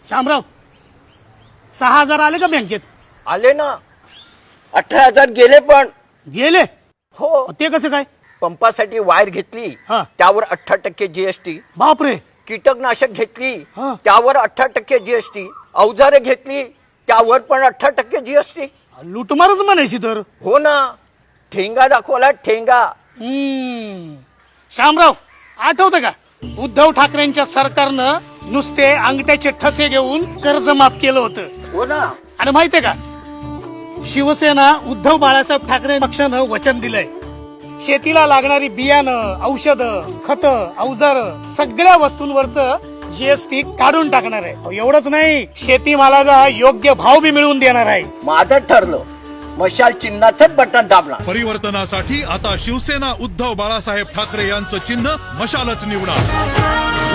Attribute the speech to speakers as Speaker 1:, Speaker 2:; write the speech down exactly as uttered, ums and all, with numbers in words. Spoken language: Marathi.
Speaker 1: शामराव, सहा हजार आले का बँकेत?
Speaker 2: आले ना. अठरा हजार गेले पण.
Speaker 1: गेले?
Speaker 2: हो.
Speaker 1: ते कसं काय?
Speaker 2: पंपासाठी वायर घेतली
Speaker 1: हा.
Speaker 2: त्यावर अठरा टक्के जीएसटी.
Speaker 1: बापरे.
Speaker 2: कीटकनाशक घेतली
Speaker 1: हा.
Speaker 2: त्यावर अठरा टक्के जीएसटी. अवजारे घेतली त्यावर पण अठरा टक्के जीएसटी.
Speaker 1: लुटमारच म्हणायची तर.
Speaker 2: हो ना. ठेंगा दाखवला ठेंगा.
Speaker 1: हम्म. शामराव, आठवतं का उद्धव ठाकरेंच्या सरकारनं नुसते अंगठ्याचे ठसे घेऊन कर्ज माफ केलं होतं?
Speaker 2: हो ना.
Speaker 1: आणि माहितीये का, शिवसेना उद्धव बाळासाहेब ठाकरे पक्षानं वचन दिलंय, शेतीला लागणारी बियाणं, औषधं, खतं, अवजार सगळ्या वस्तूंवरचं जीएसटी काढून टाकणार आहे. अहो, एवढंच नाही, शेतीमालाला योग्य भाव बी मिळवून देणार आहे.
Speaker 2: माझं ठरलं. मशाल चिन्हाचंच बटन दाबणार.
Speaker 3: परिवर्तनासाठी आता शिवसेना उद्धव बाळासाहेब ठाकरे यांचं चिन्ह मशालच निवडा.